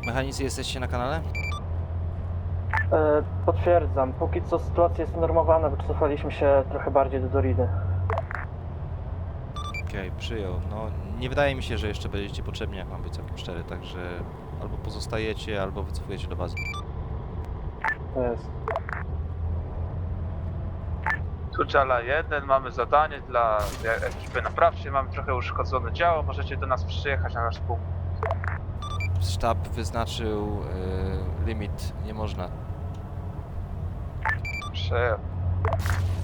Mechanicy, jesteście na kanale? Potwierdzam. Póki co sytuacja jest normowana, wycofaliśmy się trochę bardziej do Doridy. Okej, przyjął. No, nie wydaje mi się, że jeszcze będziecie potrzebni, jak mam być całkiem szczery, także albo pozostajecie, albo wycofujecie do bazy. To jest. Tu Jala 1, mamy zadanie dla ekipy naprawczej, mamy trochę uszkodzone działo, możecie do nas przyjechać na nasz punkt. Sztab wyznaczył limit, nie można. Przyjechać.